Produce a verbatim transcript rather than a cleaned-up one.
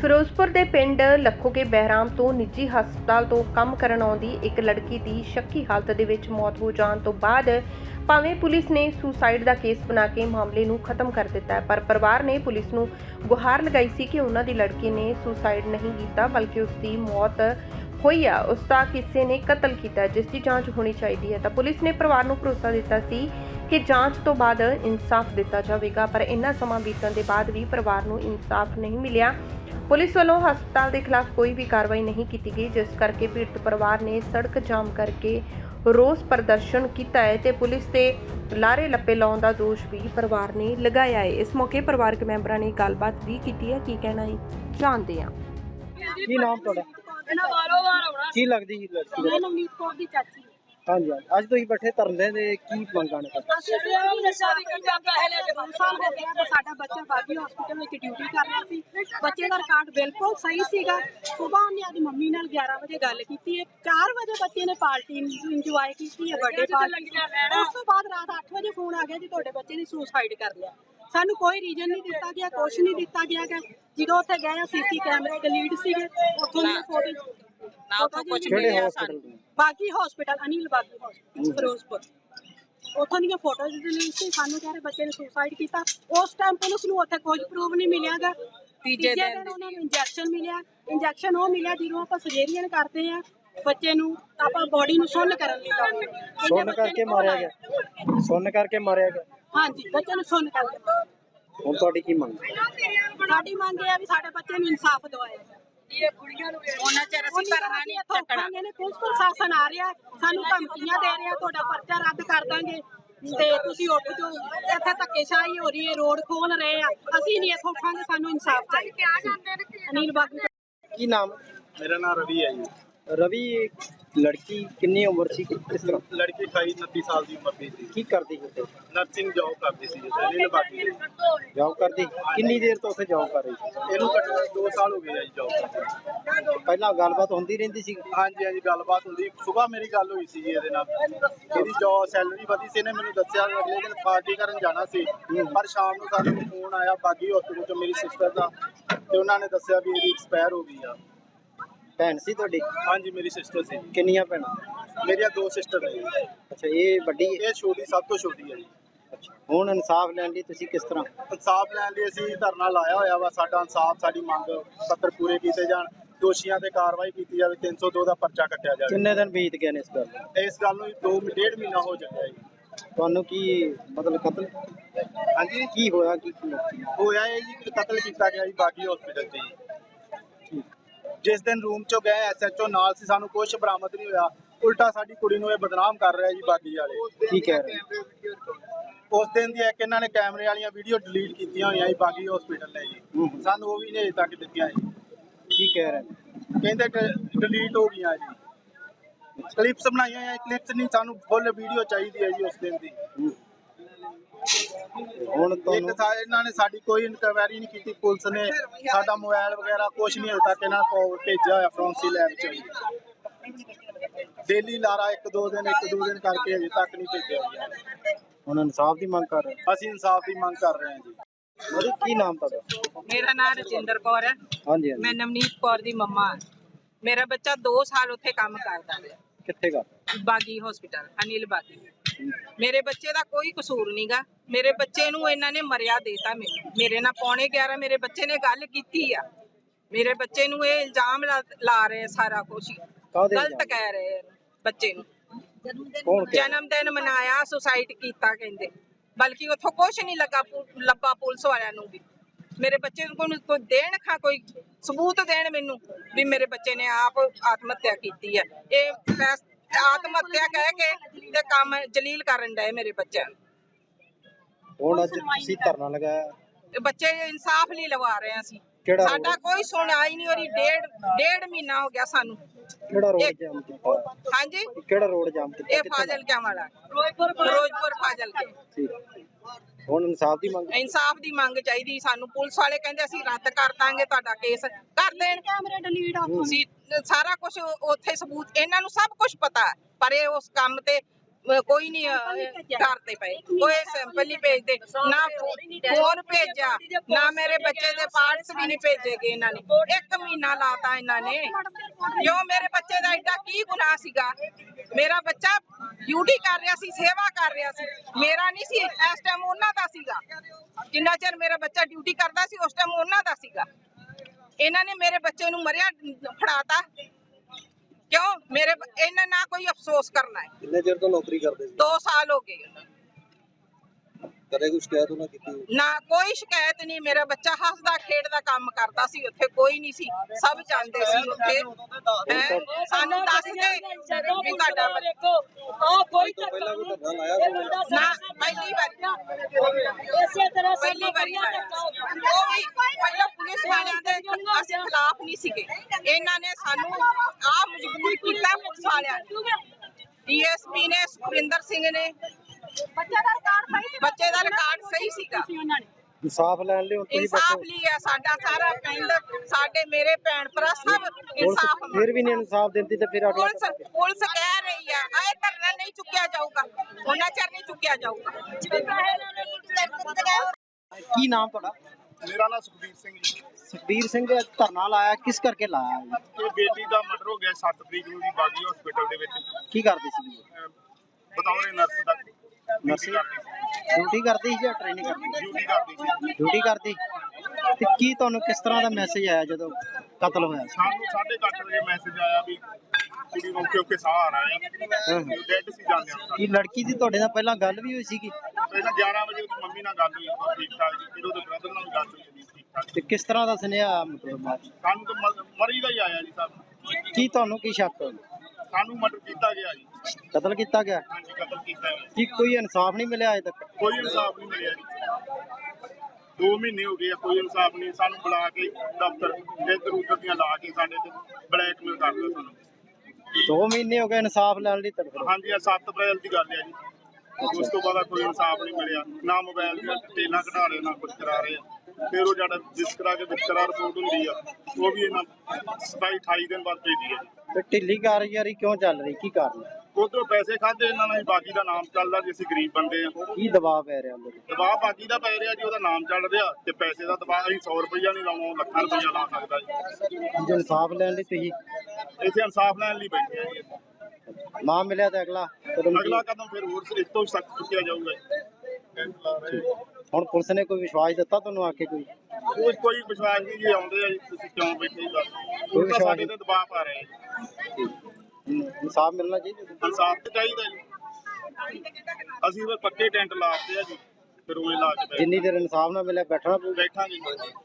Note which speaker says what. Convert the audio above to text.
Speaker 1: ਫਿਰੋਜ਼ਪੁਰ ਦੇ ਪਿੰਡ ਲੱਖੋਕੇ ਬਹਿਰਾਮ ਤੋਂ ਨਿੱਜੀ ਹਸਪਤਾਲ ਤੋਂ ਕੰਮ ਕਰਨ ਆਉਂਦੀ ਇੱਕ ਲੜਕੀ ਦੀ ਸ਼ੱਕੀ ਹਾਲਤ ਦੇ ਵਿੱਚ ਮੌਤ ਹੋ ਜਾਣ ਤੋਂ ਬਾਅਦ ਭਾਵੇਂ ਪੁਲਿਸ ਨੇ ਸੁਸਾਈਡ ਦਾ ਕੇਸ ਬਣਾ ਕੇ ਮਾਮਲੇ ਨੂੰ ਖਤਮ ਕਰ ਦਿੱਤਾ ਹੈ, ਪਰ ਪਰਿਵਾਰ ਨੇ ਪੁਲਿਸ ਨੂੰ ਗੁਹਾਰ ਲਗਾਈ ਸੀ ਕਿ ਉਹਨਾਂ ਦੀ ਲੜਕੀ ਨੇ ਸੁਸਾਈਡ ਨਹੀਂ ਕੀਤਾ ਬਲਕਿ ਉਸ ਦੀ ਮੌਤ ਹੋਈ ਆ, ਉਸ ਦਾ ਕਿਸੇ ਨੇ ਕਤਲ ਕੀਤਾ ਜਿਸ ਦੀ ਜਾਂਚ ਹੋਣੀ ਚਾਹੀਦੀ ਹੈ। ਤਾਂ ਪੁਲਿਸ ਨੇ ਪਰਿਵਾਰ ਨੂੰ ਭਰੋਸਾ ਦਿੱਤਾ ਸੀ ਕਿ ਜਾਂਚ ਤੋਂ ਬਾਅਦ ਇਨਸਾਫ ਦਿੱਤਾ ਜਾਵੇਗਾ, ਪਰ ਇੰਨਾ ਸਮਾਂ ਬੀਤਣ ਦੇ ਬਾਅਦ ਵੀ ਪਰਿਵਾਰ ਨੂੰ ਇਨਸਾਫ ਨਹੀਂ ਮਿਲਿਆ। ਪੁਲਿਸ ਵੱਲੋਂ ਹਸਪਤਾਲ ਦੇ ਖਿਲਾਫ ਕੋਈ ਵੀ ਕਾਰਵਾਈ ਨਹੀਂ ਕੀਤੀ ਗਈ, ਜਿਸ ਕਰਕੇ ਪੀੜਤ ਪਰਿਵਾਰ ਨੇ ਸੜਕ ਜਾਮ ਕਰਕੇ ਰੋਸ ਪ੍ਰਦਰਸ਼ਨ ਕੀਤਾ ਹੈ ਤੇ ਪੁਲਿਸ ਤੇ ਲਾਰੇ ਲੱਪੇ ਲਾਉਣ ਦਾ ਦੋਸ਼ ਵੀ ਪਰਿਵਾਰ ਨੇ ਲਗਾਇਆ ਹੈ। ਇਸ ਮੌਕੇ ਪਰਿਵਾਰਕ ਮੈਂਬਰਾਂ ਨੇ ਗੱਲਬਾਤ ਵੀ ਕੀਤੀ ਹੈ। ਕੀ ਕਹਿਣਾ ਹੈ ਜਾਣਦੇ ਹਾਂ।
Speaker 2: ਕੀ ਨਾਮ ਤੁਹਾਡਾ?
Speaker 3: ਇਹਨਾਂ ਵਾਰੋ ਵਾਰ ਆਉਣਾ
Speaker 2: ਕੀ ਲੱਗਦੀ ਸੀ ਲੜਕੀ
Speaker 3: ਮੈਂ ਨਵਨੀਤ ਕੌਰ ਦੀ ਚਾਚੀ।
Speaker 2: ਹਾਂਜੀ ਹਾਂਜੀ, ਅੱਜ ਤੁਸੀਂ ਬੈਠੇ ਧਰਨੇ ਦੇ ਕੀ ਮੰਗਾਂ ਨੇ?
Speaker 3: ਅਸੀਂ ਸੇਵਾ ਨਸ਼ਾ ਵੀ ਕਰਦਾ ਪੈਸੇ ਲੈ ਕੇ ਦੋ ਸਾਲ ਹੋ ਗਏ ਤਾਂ ਸਾਡਾ ਬੱਚਾ ਬਾਗੀ ਹਸਪੀਟਲ ਵਿੱਚ ਡਿਊਟੀ ਕਰ ਰਿਹਾ ਸੀ। ਬੱਚੇ ਦਾ ਰਿਕਾਰਡ ਬਿਲਕੁਲ ਸਹੀ ਸੀਗਾ। ਸਵੇਰ ਉਹਨੇ ਆਪਣੀ ਮੰਮੀ ਨਾਲ ਗਿਆਰਾਂ ਵਜੇ ਗੱਲ ਕੀਤੀ ਹੈ, ਚਾਰ ਵਜੇ ਬੱਚੇ ਨੇ ਪਾਰਟੀ ਇੰਜੋਏ ਕੀਤੀ ਹੈ, ਬਰਥਡੇ ਪਾਰਟੀ। ਉਸ ਤੋਂ ਬਾਅਦ ਰਾਤ ਅੱਠ ਵਜੇ ਫੋਨ ਆ ਗਿਆ ਜੀ ਤੁਹਾਡੇ ਬੱਚੇ ਨੇ ਸੁਸਾਈਡ ਕਰ ਲਿਆ। ਸਾਨੂੰ ਕੋਈ ਰੀਜ਼ਨ ਨਹੀਂ ਦਿੱਤਾ ਗਿਆ, ਕੁਛ ਨਹੀਂ ਦਿੱਤਾ ਗਿਆ ਕਿ ਜਦੋਂ ਉੱਥੇ ਗਏ ਆ ਸੀਸੀ ਕੈਮਰੇ ਡਿਲੀਟ ਸੀਗੇ, ਉੱਥੋਂ ਦੀ ਫੋਟੋ ਨਾ ਉੱਥੋਂ ਕੁਝ ਮਿਲਿਆ ਸਾਨੂੰ। ਬਾਗੀ ਹਸਪੀਟਲ ਅਨਿਲ ਬਾਗੀ ਹਸਪੀਟਲ ਫਿਰੋਜ਼ਪੁਰ, ਉੱਥੋਂ ਦੀਆਂ ਫੋਟੋਜ਼ ਡਿਲੀਟ ਸੀ। ਸਾਨੂੰ ਕਹਿ ਰਹੇ ਬੱਚੇ ਨੇ ਸੁਸਾਈਡ ਕੀਤਾ। ਉਸ ਟਾਈਮ ਪੁਲਿਸ ਨੂੰ ਉੱਥੇ ਕੋਈ ਪ੍ਰੂਫ ਨਹੀਂ ਮਿਲਿਆਗਾ। ਤੀਜੇ ਦਿਨ ਉਹਨਾਂ ਨੂੰ ਇੰਜੈਕਸ਼ਨ ਮਿਲਿਆ। ਇੰਜੈਕਸ਼ਨ ਉਹ ਮਿਲਿਆ ਜਦੋਂ ਆਪਾਂ ਸਰਜਰੀਅਨ ਕਰਦੇ ਆ ਬੱਚੇ ਨੂੰ, ਆਪਾਂ ਬੋਡੀ ਨੂੰ ਸੁੰਨ ਕਰਨ ਲਈ ਲਾਉਂਦੇ ਆ।
Speaker 2: ਸੁੰਨ ਕਰਕੇ ਮਾਰਿਆ ਗਿਆ? ਸੁੰਨ ਕਰਕੇ ਮਾਰਿਆ ਗਿਆ?
Speaker 3: ਹਾਂਜੀ, ਬੱਚੇ ਨੂੰ ਸੁੰਨ ਕਰਕੇ।
Speaker 2: ਹੁਣ ਤੁਹਾਡੀ ਕੀ ਮੰਗ?
Speaker 3: ਸਾਡੀ ਮੰਗ ਇਹ ਆ ਵੀ ਸਾਡੇ ਬੱਚੇ ਨੂੰ ਇਨਸਾਫ ਦਿਵਾਇਆ ਜਾਵੇ। ਉਹਨਾਂ ਚਿਰ ਅਸੀਂ ਕਰਨਾ ਨਹੀਂ ਚੱਕਣਾ। ਪੁਲਿਸ ਪ੍ਰਸ਼ਾਸਨ ਆ ਰਿਹਾ, ਸਾਨੂੰ ਧਮਕੀਆਂ ਦੇ ਰਿਹਾ, ਤੁਹਾਡਾ ਪਰਚਾ ਰੱਦ ਕਰ ਦਾਂਗੇ ਤੇ ਤੁਸੀਂ ਉੱਠ ਜਾਓ। ਇੱਥੇ ਧੱਕੇਸ਼ਾਹੀ ਹੋ ਰਹੀ ਹੈ, ਰੋਡ ਖੋਲ ਰਹੇ ਆ, ਅਸੀਂ ਨਹੀਂ ਇੱਥੋਂ ਉੱਠਾਂਗੇ, ਸਾਨੂੰ ਇਨਸਾਫ ਚਾਹੀਦਾ। ਅਨਿਲ ਬਾਗੀ।
Speaker 2: ਕੀ ਨਾਮ?
Speaker 4: ਮੇਰਾ ਨਾਮ ਰਵੀ ਹੈ ਜੀ।
Speaker 2: ਰਵੀ, ਲੜਕੀ ਕਿੰਨੀ ਉਮਰ ਸੀ, ਕਿਸ ਤਰ੍ਹਾਂ?
Speaker 4: ਲੜਕੀ ਅਠਾਈ ਉਨੱਤੀ ਸਾਲ ਦੀ ਉਮਰ ਦੀ ਸੀ।
Speaker 2: ਕੀ ਕਰਦੀ ਸੀ ਉੱਥੇ?
Speaker 4: ਨਰਸਿੰਗ ਜੌਬ ਕਰਦੀ ਸੀ ਅਨਿਲ ਬਾਗੀ।
Speaker 2: ਜੌਬ ਕਰਦੀ? ਕਿੰਨੀ ਦੇਰ ਤੋਂ ਉੱਥੇ ਜੌਬ ਕਰ ਰਹੀ ਸੀ?
Speaker 4: ਇਹਨੂੰ ਘੱਟੋ ਘੱਟ ਦੋ ਸਾਲ ਹੋ ਗਏ ਆ ਜੀ ਜੌਬ ਕਰਦੇ।
Speaker 2: ਪਹਿਲਾਂ ਗੱਲਬਾਤ ਹੁੰਦੀ ਰਹਿੰਦੀ ਸੀ?
Speaker 4: ਹਾਂਜੀ ਹਾਂਜੀ, ਗੱਲਬਾਤ ਹੁੰਦੀ। ਸੁਬਾਹ ਮੇਰੀ ਗੱਲ ਹੋਈ ਸੀ ਜੀ ਇਹਦੇ ਨਾਲ। ਇਹਦੀ ਜੌਬ ਸੈਲਰੀ ਵਧੀ ਸੀ। ਇਹਨੇ ਮੈਨੂੰ ਦੱਸਿਆ ਅਗਲੇ ਦਿਨ ਪਾਰਟੀ ਕਰਨ ਜਾਣਾ ਸੀ, ਪਰ ਸ਼ਾਮ ਨੂੰ ਸਾਨੂੰ ਫੋਨ ਆਇਆ ਬਾਗੀ ਹਸਪੀਟਲ ਤੋਂ ਮੇਰੀ ਸਿਸਟਰ ਦਾ, ਤੇ ਉਹਨਾਂ ਨੇ ਦੱਸਿਆ ਵੀ ਇਹਦੀ ਐਕਸਪਾਇਰ ਹੋ ਗਈ ਆ।
Speaker 2: ਭੈਣ ਸੀ ਤੁਹਾਡੀ?
Speaker 4: ਹਾਂਜੀ, ਮੇਰੀ ਸਿਸਟਰ ਸੀ।
Speaker 2: ਕਿੰਨੀਆਂ ਭੈਣਾਂ?
Speaker 4: ਮੇਰੀਆਂ ਦੋ ਸਿਸਟਰ ਨੇ।
Speaker 2: ਅੱਛਾ, ਇਹ ਵੱਡੀ ਹੈ?
Speaker 4: ਇਹ ਛੋਟੀ, ਸਭ ਤੋਂ ਛੋਟੀ ਹੈ ਜੀ।
Speaker 2: ਅੱਛਾ, ਹੁਣ ਇਨਸਾਫ ਲੈਣ ਲਈ ਤੁਸੀਂ ਕਿਸ ਤਰ੍ਹਾਂ?
Speaker 4: ਇਨਸਾਫ ਲੈਣ ਲਈ ਅਸੀਂ ਧਰਨਾ ਲਾਇਆ ਹੋਇਆ ਵਾ। ਸਾਡਾ ਇਨਸਾਫ, ਸਾਡੀ ਮੰਗ ਪੱਤਰ ਪੂਰੇ ਕੀਤੇ ਜਾਣ, ਦੋਸ਼ੀਆਂ ਤੇ ਕਾਰਵਾਈ ਕੀਤੀ ਜਾਵੇ, ਤਿੰਨ ਸੌ ਦੋ ਦਾ ਪਰਚਾ ਕੱਟਿਆ ਜਾਵੇ।
Speaker 2: ਕਿੰਨੇ ਦਿਨ ਬੀਤ ਗਏ ਨੇ ਇਸ ਗੱਲ?
Speaker 4: ਇਸ ਗੱਲ ਨੂੰ ਦੋ ਡੇਢ ਮਹੀਨਾ ਹੋ ਚੁੱਕਿਆ ਜੀ।
Speaker 2: ਤੁਹਾਨੂੰ ਕੀ ਮਤਲਬ ਕਤਲ?
Speaker 4: ਹਾਂਜੀ,
Speaker 2: ਕੀ ਹੋਇਆ? ਕੀ
Speaker 4: ਹੋਇਆ ਇਹ ਜੀ, ਕਤਲ ਕੀਤਾ ਗਿਆ ਜੀ ਬਾਗੀ ਹਸਪੀਟਲ 'ਚ ਜੀ। ਜਿਸ ਦਿਨ ਰੂਮ 'ਚੋਂ ਗਏ ਐਸ ਐਚ ਓ ਨਾਲ ਸੀ, ਸਾਨੂੰ ਕੁਝ ਬਰਾਮਦ ਨਹੀਂ ਹੋਇਆ। ਉਲਟਾ ਸਾਡੀ ਕੁੜੀ ਨੂੰ ਇਹ ਬਦਨਾਮ ਕਰ ਰਿਹਾ ਜੀ ਬਾਗੀ ਵਾਲੇ।
Speaker 2: ਕੀ ਕਹਿ ਰਹੇ?
Speaker 4: ਉਸ ਦਿਨ ਦੀ ਇੱਕ ਇਹਨਾਂ ਨੇ ਕੈਮਰੇ ਵਾਲੀਆਂ ਵੀਡੀਓ ਡਿਲੀਟ ਕੀਤੀਆਂ ਹੋਈਆਂ ਜੀ ਬਾਗੀ ਹਸਪੀਟਲ ਨੇ ਜੀ। ਸਾਨੂੰ ਉਹ ਵੀ ਨਹੀਂ ਅਜੇ ਤੱਕ ਦਿੱਤੀਆਂ ਜੀ।
Speaker 2: ਕੀ ਕਹਿ ਰਹੇ?
Speaker 4: ਕਹਿੰਦੇ ਡਿਲੀਟ ਹੋ ਗਈਆਂ ਜੀ। ਕਲਿੱਪਸ ਬਣਾਈਆਂ ਹੋਈਆਂ, ਕਲਿੱਪਸ ਨਹੀਂ, ਸਾਨੂੰ ਫੁੱਲ ਵੀਡੀਓ ਚਾਹੀਦੀ ਹੈ ਜੀ ਉਸ ਦਿਨ ਦੀ।
Speaker 2: ਹੁਣ
Speaker 4: ਇੱਕ
Speaker 2: ਤੁਹਾਨੂੰ
Speaker 4: ਸਾ ਇਹਨਾਂ ਨੇ ਸਾਡੀ ਕੋਈ ਇਨਕੁਆਇਰੀ ਨਹੀਂ ਕੀਤੀ। ਪੁਲਿਸ ਨੇ ਸਾਡਾ ਮੋਬਾਈਲ ਵਗੈਰਾ ਕੁਝ ਨਹੀਂ ਅਜੇ ਤੱਕ ਇਹਨਾਂ ਕੋਲ ਭੇਜਿਆ ਹੋਇਆ ਫੋਰੈਂਸਿਕ ਲੈਬ 'ਚ। ਡੇਲੀ ਲਾਰਾ ਇੱਕ ਦੋ ਦਿਨ ਇੱਕ ਦੋ ਦਿਨ ਕਰਕੇ ਅਜੇ ਤੱਕ ਨਹੀਂ ਭੇਜਿਆ।
Speaker 2: ਹੁਣ ਇਨਸਾਫ ਦੀ ਮੰਗ ਕਰ ਰਹੇ?
Speaker 4: ਅਸੀਂ ਇਨਸਾਫ ਦੀ ਮੰਗ ਕਰ ਰਹੇ ਹਾਂ ਜੀ।
Speaker 2: ਉਹਦੀ ਕੀ ਨਾਮ ਤੁਹਾਡਾ?
Speaker 5: ਮੇਰਾ ਨਾਮ ਰਜਿੰਦਰ ਕੌਰ ਹੈ।
Speaker 2: ਹਾਂਜੀ ਹਾਂਜੀ।
Speaker 5: ਮੈਂ ਨਵਨੀਤ ਕੌਰ ਦੀ ਮੰਮਾ ਹਾਂ। ਮੇਰਾ ਬੱਚਾ ਦੋ ਸਾਲ ਉੱਥੇ ਕੰਮ ਕਰਦਾ ਰਿਹਾ।
Speaker 2: ਕਿੱਥੇ ਕਰ?
Speaker 5: ਬਾਗੀ ਹਸਪੀਟਲ, ਅਨਿਲ ਬਾਗੀ। ਮੇਰੇ ਬੱਚੇ ਦਾ ਕੋਈ ਕਸੂਰ ਨਹੀਂਗਾ। ਮੇਰੇ ਬੱਚੇ ਨੂੰ ਇਹਨਾਂ ਨੇ ਮਰਿਆ ਦੇਤਾ। ਮੈਨੂੰ ਮੇਰੇ ਨਾਲ ਪੌਣੇ ਗਿਆਰਾਂ ਮੇਰੇ ਬੱਚੇ ਨੇ ਗੱਲ ਕੀਤੀ ਆ। ਮੇਰੇ ਬੱਚੇ ਨੂੰ ਇਹ ਇਲਜ਼ਾਮ ਲਾ ਰਹੇ, ਸਾਰਾ ਕੁਝ ਗਲਤ ਕਹਿ ਰਹੇ ਬੱਚੇ ਨੂੰ। ਜਨਮ ਦਿਨ ਮਨਾਇਆ, ਸੁਸਾਈਡ ਕੀਤਾ ਕਹਿੰਦੇ, ਬਲਕਿ ਉੱਥੋਂ ਕੁਛ ਨਹੀਂ ਲੱਗਾ ਲੱਭਾ ਪੁਲਿਸ ਵਾਲਿਆਂ ਨੂੰ ਵੀ। ਮੇਰੇ ਬੱਚੇ ਨੂੰ ਕੋਈ ਦੇਣ ਖਾ ਕੋਈ ਸਬੂਤ ਦੇਣ ਮੈਨੂੰ ਵੀ ਮੇਰੇ ਬੱਚੇ ਨੇ ਆਪ ਆਤਮ ਹੱਤਿਆ ਕੀਤੀ ਹੈ। ਇਹ ਆਤਮ ਹੱਤਿਆ ਕਹਿ ਕੇ ਤੇ ਕੰਮ ਜਲੀਲ ਕਰਨ ਡਏ ਮੇਰੇ ਬੱਚਿਆਂ ਨੂੰ।
Speaker 2: ਹੁਣ ਅੱਜ ਤੁਸੀਂ ਧਰਨਾ ਲਗਾਇਆ?
Speaker 5: ਬੱਚੇ ਇਨਸਾਫ ਨਹੀਂ ਲਵਾ ਰਹੇ ਅਸੀਂ।
Speaker 2: ਕਿਹੜਾ
Speaker 5: ਸਾਡਾ ਕੋਈ ਸੁਣਾਈ ਨਹੀਂ ਹੋ ਰਹੀ। ਡੇਢ ਡੇਢ ਮਹੀਨਾ ਹੋ ਗਿਆ ਸਾਨੂੰ।
Speaker 2: ਕਿਹੜਾ ਰੋਡ ਜਾਮ ਕੀਤਾ?
Speaker 5: ਹਾਂਜੀ,
Speaker 2: ਕਿਹੜਾ ਰੋਡ ਜਾਮ ਕੀਤਾ?
Speaker 5: ਇਹ ਫਾਜ਼ਿਲਕਾ ਵਾਲਾ, ਫਿਰੋਜ਼ਪੁਰ ਫਿਰੋਜ਼ਪੁਰ ਫਾਜ਼ਿਲਕੇ।
Speaker 2: ਠੀਕ। ਹੁਣ ਇਨਸਾਫ ਦੀ ਮੰਗ?
Speaker 5: ਇਨਸਾਫ ਦੀ ਮੰਗ ਚਾਹੀਦੀ ਸਾਨੂੰ। ਪੁਲਿਸ ਵਾਲੇ ਕਹਿੰਦੇ ਅਸੀਂ ਰੱਦ ਕਰ ਦਾਂਗੇ ਤੁਹਾਡਾ ਕੇਸ, ਕਰ ਦੇਣ।
Speaker 3: ਕੈਮਰੇ ਡਿਲੀਟ ਆ,
Speaker 5: ਸਾਰਾ ਕੁਝ ਉੱਥੇ ਸਬੂਤ, ਇਹਨਾਂ ਨੂੰ ਸਭ ਕੁਝ ਪਤਾ, ਪਰ ਇਹ ਉਸ ਕੰਮ ਤੇ ਅਹ ਕੋਈ ਨਹੀਂ ਕਰਦੇ ਪਏ, ਕੋਈ ਸੈਂਪਲ ਨਹੀਂ ਭੇਜਦੇ, ਨਾ ਫੋਨ ਭੇਜਿਆ, ਨਾ ਮੇਰੇ ਬੱਚੇ ਦੇ ਪਾਰਟਸ ਵੀ ਨਹੀਂ ਭੇਜੇ ਗਏ ਇਹਨਾਂ ਨੇ। ਇੱਕ ਮਹੀਨਾ ਲਾਤਾ ਇਹਨਾਂ ਨੇ। ਕਿਉਂ? ਮੇਰੇ ਬੱਚੇ ਦਾ ਐਡਾ ਕੀ ਗੁਨਾਹ ਸੀਗਾ? ਮੇਰਾ ਬੱਚਾ ਡਿਊਟੀ ਕਰ ਰਿਹਾ ਸੀ, ਸੇਵਾ ਕਰ ਰਿਹਾ ਸੀ, ਮੇਰਾ ਨਹੀਂ ਸੀ। ਇਸ ਟਾਈਮ ਉਹਨਾਂ ਦਾ ਸੀਗਾ। ਜਿੰਨਾ ਚਿਰ ਮੇਰਾ ਬੱਚਾ ਡਿਊਟੀ ਕਰਦਾ ਸੀ ਉਸ ਟਾਈਮ ਉਹਨਾਂ ਦਾ ਸੀਗਾ। ਇਹਨਾਂ ਨੇ ਮੇਰੇ ਬੱਚੇ ਨੂੰ ਮਰਿਆ ਫੜਾਤਾ। ਕਿਉਂ? ਮੇਰੇ ਇਹਨਾਂ ਨਾ ਕੋਈ ਅਫਸੋਸ ਕਰਨਾ ਹੈ।
Speaker 2: ਕਿੰਨੇ ਚਿਰ ਤੋਂ ਨੌਕਰੀ ਕਰਦੇ ਸੀ?
Speaker 5: ਦੋ ਸਾਲ ਹੋ ਗਏ।
Speaker 2: ਕਦੇ ਕੋਈ ਸ਼ਿਕਾਇਤ ਉਹਨਾਂ ਕੀਤੀ?
Speaker 5: ਨਾ ਕੋਈ ਸ਼ਿਕਾਇਤ ਨਹੀਂ। ਮੇਰਾ ਬੱਚਾ ਹੱਸਦਾ ਖੇਡਦਾ ਕੰਮ ਕਰਦਾ ਸੀ, ਉੱਥੇ ਕੋਈ ਨਹੀਂ ਸੀ, ਸਭ ਜਾਣਦੇ ਸੀ ਉੱਥੇ। ਹੈਂ? ਸਾਨੂੰ ਦੱਸਦੇ ਵੀ ਤੁਹਾਡਾ ਬੱਚਾ
Speaker 3: ਕੋਈ
Speaker 2: ਪਹਿਲਾਂ ਕੋਈ ਧਰਨਾ ਲਾਇਆ ਸੀ?
Speaker 5: ਨਾ ਪਹਿਲੀ ਵਾਰੀ
Speaker 3: ਇਸੇ ਤਰ੍ਹਾਂ
Speaker 5: ਪਹਿਲੀ ਵਾਰੀ ਲਾਇਆ। ਉਹ ਵੀ ਪਹਿਲਾਂ ਪੁਲਿਸ ਵਾਲਿਆਂ ਦੇ ਅਸੀਂ ਖਿਲਾਫ ਨਹੀਂ ਸੀਗੇ, ਇਹਨਾਂ ਨੇ ਸਾਨੂੰ ਆ ਮਜਬੂਰ ਕੀਤਾ ਪੁਲਿਸ ਵਾਲਿਆਂ ਨੇ। ਡੀਐਸਪੀ ਨੇ, ਸੁਖਵਿੰਦਰ ਸਿੰਘ ਨੇ।
Speaker 3: ਬੱਚੇ ਦਾ ਰਿਕਾਰਡ ਸਹੀ ਸੀ,
Speaker 5: ਬੱਚੇ ਦਾ ਰਿਕਾਰਡ ਸਹੀ ਸੀਗਾ।
Speaker 3: ਉਹਨਾਂ ਨੇ
Speaker 2: ਇਨਸਾਫ ਲੈਣ ਲਈ ਹੁਣ ਤੁਸੀਂ
Speaker 5: ਇਨਸਾਫ
Speaker 2: ਬੈਠੇ
Speaker 5: ਲਈ ਆ ਸਾਡਾ ਸਾਰਾ ਪਿੰਡ, ਸਾਡੇ ਮੇਰੇ ਭੈਣ ਭਰਾ ਸਭ ਇਨਸਾਫ
Speaker 2: ਪੁਲਿਸ ਫਿਰ ਵੀ ਨਹੀਂ ਇਨਸਾਫ ਦਿੰਦੀ ਤੇ ਫਿਰ ਅਗਲਾ
Speaker 5: ਪੁਲਿਸ ਪੁਲਿਸ ਕਹਿ ਰਹੀ ਆ ਇਹ ਧਰਨਾ ਨਹੀਂ ਚੁੱਕਿਆ ਜਾਊਗਾ, ਉਹਨਾਂ ਚਿਰ ਨਹੀਂ ਚੁੱਕਿਆ ਜਾਊਗਾ।
Speaker 2: ਕੀ ਨਾਮ ਤੁਹਾਡਾ?
Speaker 4: ਮੇਰਾ ਨਾਮ ਸੁਖਬੀਰ ਸਿੰਘ ਜੀ।
Speaker 2: ਸੁਖਬੀਰ ਸਿੰਘ ਧਰਨਾ ਲਾਇਆ, ਕਿਸ ਕਰਕੇ ਲਾਇਆ ਜੀ?
Speaker 4: ਇਹ ਬੇਟੀ ਦਾ ਮਰਡਰ ਹੋ ਗਿਆ ਸੱਤ ਤਰੀਕ ਨੂੰ ਜੀ ਬਾਗੀ ਹਸਪੀਟਲ ਦੇ ਵਿੱਚ।
Speaker 2: ਕੀ ਕਰਦੇ ਸੀ?
Speaker 4: ਬਤੌਰੇ ਨਰਸ ਦਾ
Speaker 2: ਨਰਸ ਡਿਊਟੀ ਕਰਦੀ ਸੀ ਜਾਂ ਟ੍ਰੇਨਿੰਗ ਕਰਦੀ?
Speaker 4: ਡਿਊਟੀ ਕਰਦੀ ਸੀ।
Speaker 2: ਡਿਊਟੀ ਕਰਦੀ। ਤੇ ਕੀ ਤੁਹਾਨੂੰ ਕਿਸ ਤਰ੍ਹਾਂ ਦਾ ਮੈਸੇਜ ਆਇਆ ਜਦੋਂ ਕਤਲ ਹੋਇਆ?
Speaker 4: ਸਾਨੂੰ ਸਾਢੇ ਕੁ ਅੱਠ ਵਜੇ ਮੈਸੇਜ ਆਇਆ ਵੀ ਕੁੜੀ ਨੂੰ ਕਿਉਂਕਿ ਸਾਹ ਆ ਰਿਹਾ ਹੈ, ਡੈਡ ਸੀ ਜਾਂਦੇ ਆ।
Speaker 2: ਕੀ ਲੜਕੀ ਦੀ ਤੁਹਾਡੇ ਨਾਲ ਪਹਿਲਾਂ ਗੱਲ ਵੀ ਹੋਈ ਸੀਗੀ?
Speaker 4: ਪਹਿਲਾਂ ਗਿਆਰਾਂ ਵਜੇ ਉਹਦੀ ਮੰਮੀ ਨਾਲ ਗੱਲ ਹੋਈ, ਉਹ ਠੀਕ ਠਾਕ ਜੀ। ਫਿਰ ਉਹਦੇ ਬ੍ਰਦਰ ਨਾਲ ਵੀ ਗੱਲ ਹੋਈ ਜੀ, ਠੀਕ ਠਾਕ।
Speaker 2: ਤੇ ਕਿਸ ਤਰ੍ਹਾਂ ਦਾ ਸੁਨੇਹਾ ਮਤਲਬ ਬਾਅਦ 'ਚ?
Speaker 4: ਸਾਨੂੰ ਤਾਂ ਮ- ਮਰੀ ਦਾ ਹੀ ਆਇਆ ਜੀ ਸਾਨੂੰ।
Speaker 2: ਕੀ ਤੁਹਾਨੂੰ ਕੀ ਸ਼ੱਕ ਹੋਇਆ?
Speaker 4: ਸਾਨੂੰ ਮਰਡਰ ਕੀਤਾ ਗਿਆ ਜੀ।
Speaker 2: ਕਤਲ ਕੀਤਾ ਗਿਆ?
Speaker 4: ਹਾਂਜੀ, ਕਤਲ ਕੀਤਾ ਗਿਆ।
Speaker 2: ਕੀ ਕੋਈ ਇਨਸਾਫ ਨਹੀਂ ਮਿਲਿਆ ਅਜੇ ਤੱਕ?
Speaker 4: ਕੋਈ ਇਨਸਾਫ ਨਹੀਂ ਮਿਲਿਆ ਜੀ। ਦੋ ਮਹੀਨੇ ਹੋ ਗਏ ਆ, ਕੋਈ ਇਨਸਾਫ ਨਹੀਂ। ਸਾਨੂੰ ਬੁਲਾ ਕੇ ਦਫ਼ਤਰ ਇੱਧਰ ਉੱਧਰ ਦੀਆਂ ਲਾ ਕੇ ਸਾਡੇ ਤੇ ਬਲੈਕਮੇਲ ਕਰਦਾ ਸਾਨੂੰ।
Speaker 2: ਦੋ ਮਹੀਨੇ ਹੋ ਗਏ ਇਨਸਾਫ ਲੈਣ ਲਈ ਤੜਫ ਰਹੇ।
Speaker 4: ਹਾਂਜੀ, ਆ ਸੱਤ ਅਪ੍ਰੈਲ ਦੀ ਗੱਲ ਹੈ ਜੀ। ਉਸ ਤੋਂ ਬਾਅਦ ਕੋਈ ਇਨਸਾਫ ਨਹੀਂ ਮਿਲਿਆ। ਨਾ ਮੋਬਾਈਲ ਦੀਆਂ ਡਿਟੇਲਾਂ ਕਢਾ ਰਹੇ, ਨਾ ਕੁਝ ਕਰਾ ਰਹੇ ਆ। ਫਿਰ ਉਹ ਜਿਹੜਾ ਵਿਤਕਰਾ ਕੇ ਵਿਤਕਰਾ ਰਿਪੋਰਟ ਹੁੰਦੀ ਆ, ਉਹ ਵੀ ਇਹਨਾਂ ਸਤਾਈ ਅਠਾਈ ਦਿਨ ਬਾਅਦ ਭੇਜੀ ਆ।
Speaker 2: ਤੇ ਢਿੱਲੀ ਕਾਰਗੁਜ਼ਾਰੀ ਕਿਉਂ ਚੱਲ ਰਹੀ? ਕੀ ਕਾਰਨ ਹੈ?
Speaker 4: ਉਧਰੋਂ ਪੈਸੇ ਖਾਦੇ ਇਹਨਾਂ ਨਾਲ, ਬਾਕੀ ਦਾ ਨਾਮ ਚੱਲਦਾ ਜੀ। ਅਸੀਂ ਗਰੀਬ ਬੰਦੇ ਆ।
Speaker 2: ਕੀ ਦਬਾਅ ਪੈ ਰਿਹਾ ਉਹਦੇ ਤੇ?
Speaker 4: ਦਬਾਅ ਬਾਕੀ ਦਾ ਪੈ ਰਿਹਾ ਜੀ, ਉਹਦਾ ਨਾਮ ਚੱਲ ਰਿਹਾ ਤੇ ਪੈਸੇ ਦਾ ਦਬਾਅ। ਅਸੀਂ ਸੌ ਰੁਪਈਆ ਨਹੀਂ ਲਾਉਣਾ, ਉਹ ਲੱਖਾਂ ਰੁਪਈਆ ਲਾ ਸਕਦਾ ਜੀ।
Speaker 2: ਜੇ ਇਨਸਾਫ ਲੈਣ ਲਈ ਤੁਸੀਂ
Speaker 4: ਇੱਥੇ ਇਨਸਾਫ ਲੈਣ ਲਈ ਬੈਠੇ ਆ ਜੀ।
Speaker 2: ਨਾ ਮਿਲਿਆ ਤਾਂ ਅਗਲਾ ਕਦਮ ਕੀ?
Speaker 4: ਅਗਲਾ ਕਦਮ ਫਿਰ ਹੋਰ ਇਸ ਤੋਂ ਸਖਤ ਚੁੱਕਿਆ ਜਾਊਗਾ ਜੀ।
Speaker 2: ਹੁਣ ਪੁਲਿਸ ਨੇ ਕੋਈ ਵਿਸ਼ਵਾਸ ਦਿੱਤਾ ਤੁਹਾਨੂੰ ਆ ਕੇ? ਕੋਈ
Speaker 4: ਕੋਈ ਕੋਈ ਵਿਸ਼ਵਾਸ ਨਹੀਂ ਜੀ। ਆਉਂਦੇ ਆ ਜੀ, ਤੁਸੀਂ ਕਿਉਂ ਬੈਠੇ ਜੀ? ਉਹ ਤਾਂ ਸਾਡੇ ਤੇ ਦਬਾਅ ਪਾ ਰਹੇ ਆ।
Speaker 2: ਇਨਸਾਫ ਮਿਲਣਾ ਚਾਹੀਦਾ।
Speaker 4: ਇਨਸਾਫ ਤੇ ਚਾਹੀਦਾ ਜੀ। ਅਸੀਂ ਉਹ ਪੱਕੇ ਟੈਂਟ ਲਾਤੇ ਆ ਜੀ, ਫਿਰ ਉਵੇਂ ਲਾ ਕੇ ਬੈਠ-
Speaker 2: ਜਿੰਨੀ ਦੇਰ ਇਨਸਾਫ ਨਾ ਮਿਲਿਆ ਬੈਠਣਾ ਪਊ।
Speaker 4: ਬੈਠਾਂਗੇ ਜੀ।